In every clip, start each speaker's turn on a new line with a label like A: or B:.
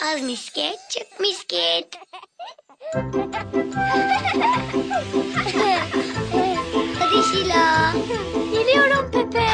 A: Az misket, çok misket. Hadi Şila.
B: Geliyorum Pepe.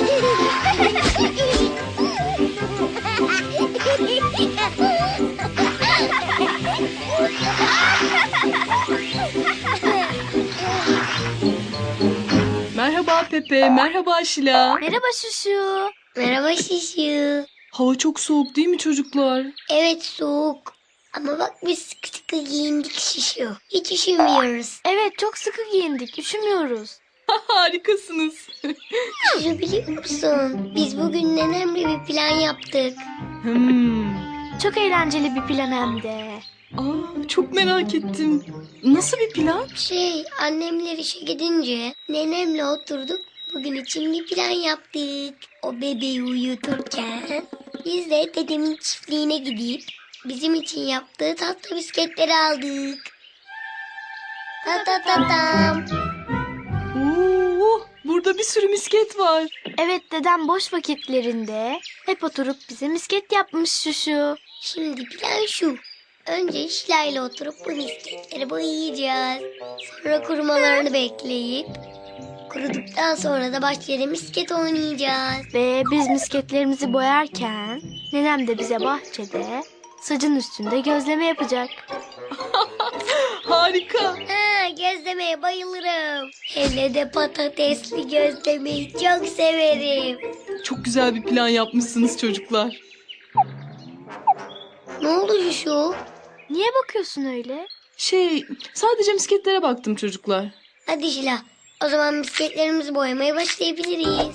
C: Merhaba Pepe, merhaba Şila.
B: Merhaba Şuşu.
A: Merhaba Şişu.
C: Hava çok soğuk değil mi çocuklar?
A: Evet soğuk. Ama bak biz sıkı sıkı giyindik Şişu. Hiç üşümüyoruz.
B: Evet, çok sıkı giyindik. Üşümüyoruz.
C: Harikasınız.
A: Şişu biliyor musun? Biz bugün nenemle bir plan yaptık.
B: Çok eğlenceli bir plan hem de.
C: Çok merak ettim. Nasıl bir plan?
A: Annemler işe gidince nenemle oturduk. Bugün için bir plan yaptık. O bebeği uyuturken biz de dedemin çiftliğine gidip bizim için yaptığı tatlı bisketleri aldık. Ta ta ta tam.
C: Oo, burada bir sürü misket var.
B: Evet, dedem boş vakitlerinde hep oturup bize misket yapmış Şuşu.
A: Şimdi plan şu. Önce Şila ile oturup bu misketleri boyayacağız. Sonra kurumalarını bekleyip kuruduktan sonra da bahçede misket oynayacağız.
B: Ve biz misketlerimizi boyarken nenem de bize bahçede sacın üstünde gözleme yapacak.
C: Harika.
A: Gözlemeye bayılırım. Hele de patatesli gözlemeyi çok severim.
C: Çok güzel bir plan yapmışsınız çocuklar.
A: Ne oldu şu?
B: Niye bakıyorsun öyle?
C: Sadece misketlere baktım çocuklar.
A: Hadi Şila, o zaman misketlerimizi boyamaya başlayabiliriz.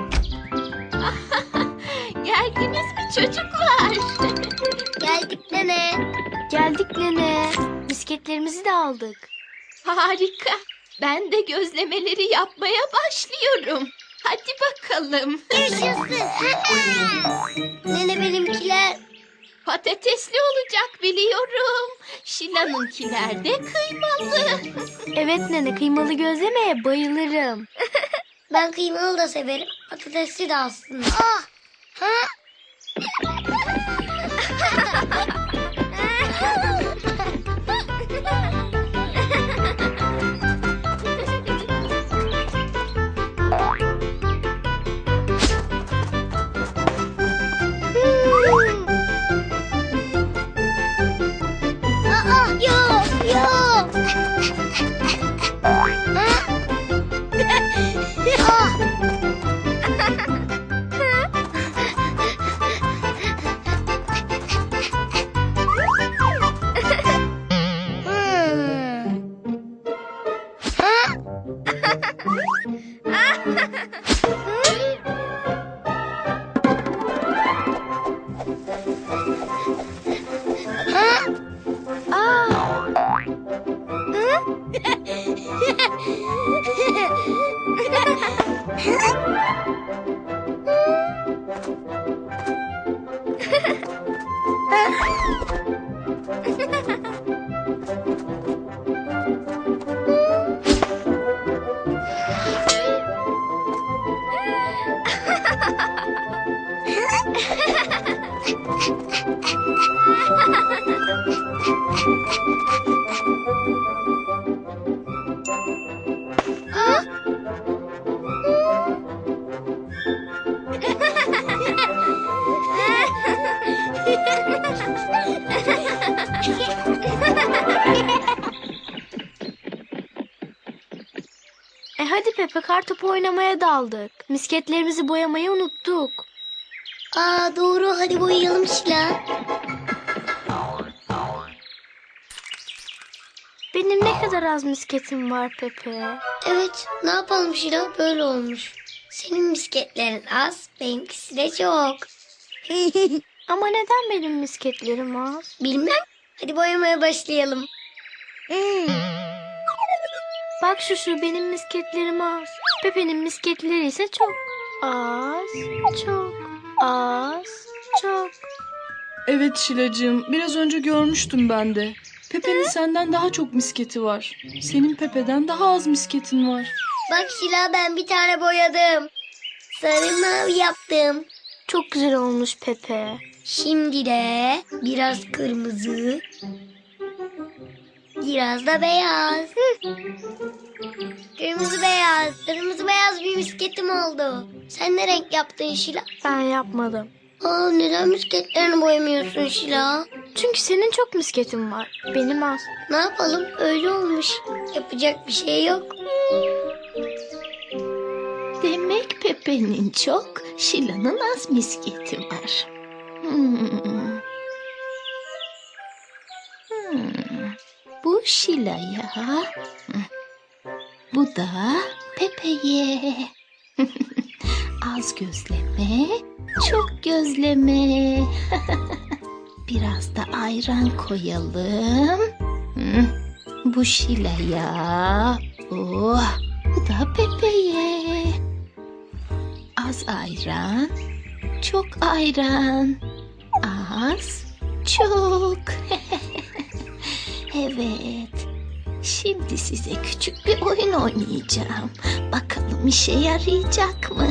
B: Geldiniz mi çocuklar?
A: Geldik nene.
B: Geldik nene. Misketlerimizi de aldık.
D: Harika. Ben de gözlemeleri yapmaya başlıyorum. Hadi bakalım.
A: Yaşasın. Nene benimkiler.
D: Patatesli olacak biliyorum. Şila'nınkiler de kıymalı.
B: Evet nene, kıymalı gözlemeye bayılırım.
A: Ben kıymalı da severim. Patatesli de aslında. Yok, yok.
B: Hadi Pepe, kartopu oynamaya daldık. Misketlerimizi boyamayı unuttuk.
A: Doğru, hadi boyayalım Şila.
B: Benim ne kadar az misketim var Pepe.
A: Evet, ne yapalım Şila, böyle olmuş. Senin misketlerin az, benimkisi de çok.
B: Ama neden benim misketlerim az?
A: Bilmem, hadi boyamaya başlayalım.
B: Bak şu benim misketlerim az. Pepe'nin misketleri ise çok. Az, çok, az, çok.
C: Evet Şilacığım, biraz önce görmüştüm ben de. Pepe'nin senden daha çok misketi var. Senin Pepe'den daha az misketin var.
A: Bak Şila, ben bir tane boyadım. Sarı mavi yaptım.
B: Çok güzel olmuş Pepe.
A: Şimdi de biraz kırmızı, biraz da beyaz. Kırmızı beyaz bir misketim oldu. Sen ne renk yaptın Şila?
B: Ben yapmadım.
A: Aa, neden misketlerini boyamıyorsun Şila?
B: Çünkü senin çok misketin var. Benim az.
A: Ne yapalım, öyle olmuş. Yapacak bir şey yok.
D: Demek Pepe'nin çok, Şila'nın az misketi var. Bu Şila'ya, bu da Pepe'ye. Az gözleme, çok gözleme. Biraz da ayran koyalım. Bu Şila'ya, oh, bu da Pepe'ye. Az ayran, çok ayran. Az, çok. Evet. Şimdi size küçük bir oyun oynayacağım. Bakalım işe yarayacak mı?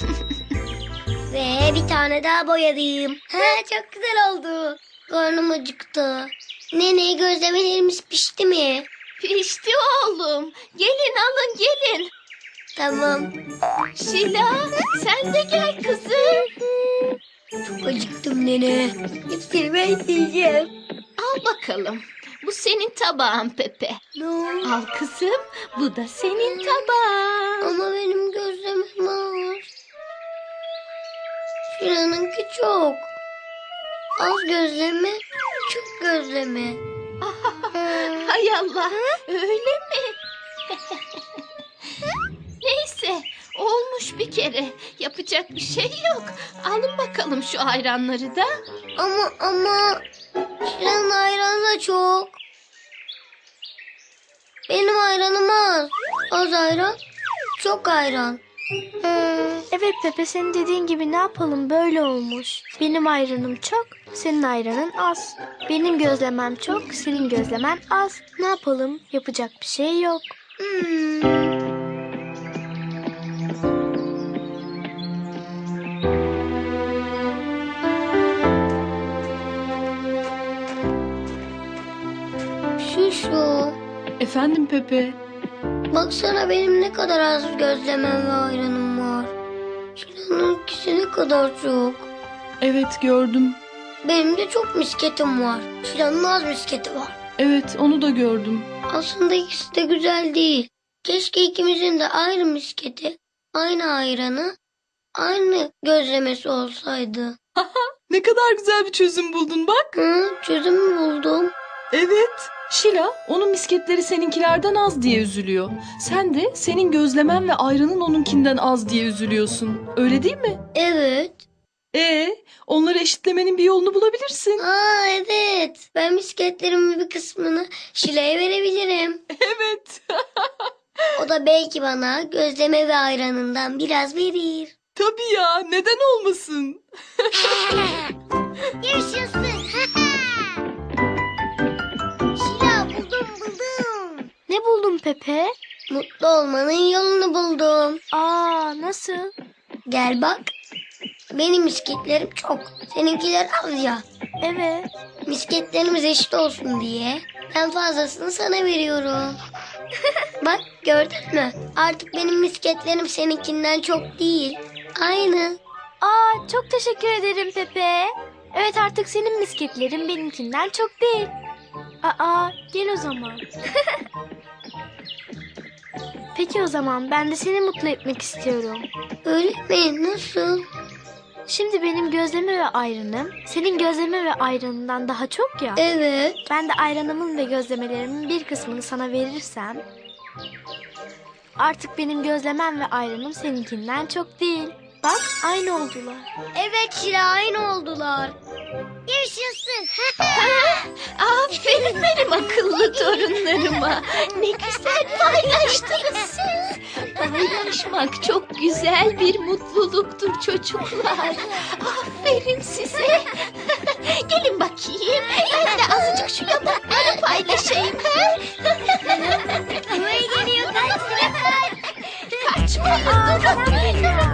A: Ve bir tane daha boyadım. Çok güzel oldu. Karnım acıktı. Nene, gözlemelerimiz pişti mi?
D: Pişti oğlum. Gelin alın gelin.
A: Tamam.
D: Şila sen de gel kızım.
A: Çok acıktım nene. Hepsini ben yiyeceğim.
D: Al bakalım. Bu senin tabağın Pepe.
A: No.
D: Al kızım. Bu da senin tabağın.
A: Ama benim gözlemem az. Şilan'ınki çok. Az gözleme, çok gözleme.
D: Hay Allah. Öyle mi? Neyse. Olmuş bir kere. Yapacak bir şey yok. Alın bakalım şu ayranları da.
A: Ama Şilan'ın ayranı da çok. Benim ayranım az. Az ayran, çok ayran.
B: Evet Pepe, senin dediğin gibi ne yapalım, böyle olmuş. Benim ayranım çok, senin ayranın az. Benim gözlemem çok, senin gözlemen az. Ne yapalım, yapacak bir şey yok.
A: Şu.
C: Efendim Pepe.
A: Baksana benim ne kadar az gözlemem ve ayranım var. Şilan'ınkisi ne kadar çok.
C: Evet gördüm.
A: Benim de çok misketim var. Şilan'ın az misketi var.
C: Evet onu da gördüm.
A: Aslında ikisi de güzel değil. Keşke ikimizin de aynı misketi, aynı ayranı, aynı gözlemesi olsaydı.
C: Ne kadar güzel bir çözüm buldun bak.
A: Çözüm buldum.
C: Evet. Şila onun misketleri seninkilerden az diye üzülüyor. Sen de senin gözlemen ve ayranın onunkinden az diye üzülüyorsun. Öyle değil mi?
A: Evet.
C: Onları eşitlemenin bir yolunu bulabilirsin.
A: Evet. Ben misketlerimin bir kısmını Şila'ya verebilirim.
C: Evet.
A: O da belki bana gözleme ve ayranından biraz verir.
C: Tabii ya, neden olmasın?
A: Yaşasın. Şila, buldum.
B: Ne buldun Pepe?
A: Mutlu olmanın yolunu buldum.
B: Nasıl?
A: Gel bak. Benim misketlerim çok. Seninkiler az ya.
B: Evet.
A: Misketlerimiz eşit olsun diye ben fazlasını sana veriyorum. Bak, gördün mü? Artık benim misketlerim seninkinden çok değil. Aynı.
B: Çok teşekkür ederim Pepe. Evet, artık senin misketlerin benimkinden çok değil. Gel o zaman. Peki o zaman ben de seni mutlu etmek istiyorum.
A: Öyle mi? Nasıl?
B: Şimdi benim gözleme ve ayranım senin gözleme ve ayranından daha çok ya.
A: Evet.
B: Ben de ayranımın ve gözlemelerimin bir kısmını sana verirsem artık benim gözlemem ve ayranım seninkinden çok değil. Bak, aynı oldular.
A: Evet Şila, aynı oldular. Yaşasın.
D: Aferin benim akıllı torunlarıma. Ne güzel paylaştınız siz. Paylaşmak çok güzel bir mutluluktur çocuklar. Aferin size. Gelin bakayım. Ben de azıcık şu yaprakları paylaşayım.
A: Buraya geliyor, kaç.
D: Kaçmayın, durun.